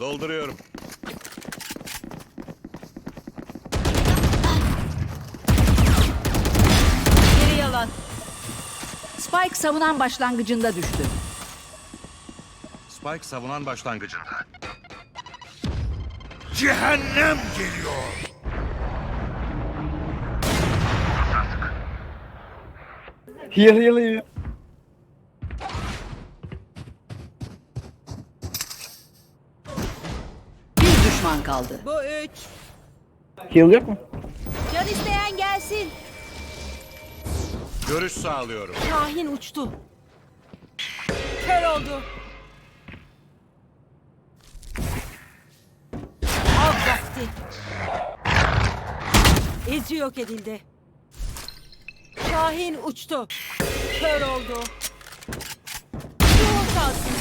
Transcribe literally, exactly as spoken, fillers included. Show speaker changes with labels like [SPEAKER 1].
[SPEAKER 1] Dolduruyorum.
[SPEAKER 2] Geri yalan. Spike savunan başlangıcında düştü.
[SPEAKER 1] Spike savunan başlangıcında.
[SPEAKER 3] Cehennem geliyor.
[SPEAKER 4] Heal heal heal.
[SPEAKER 2] Bir düşman kaldı.
[SPEAKER 5] Bu üç.
[SPEAKER 4] Heal yok mu?
[SPEAKER 5] Can isteyen gelsin.
[SPEAKER 1] Görüş sağlıyorum.
[SPEAKER 5] Kahin uçtu. Kör oldu. Av vakti. İzi yok edildi. Kahin uçtu. Kör oldu. Yoğun kalsın.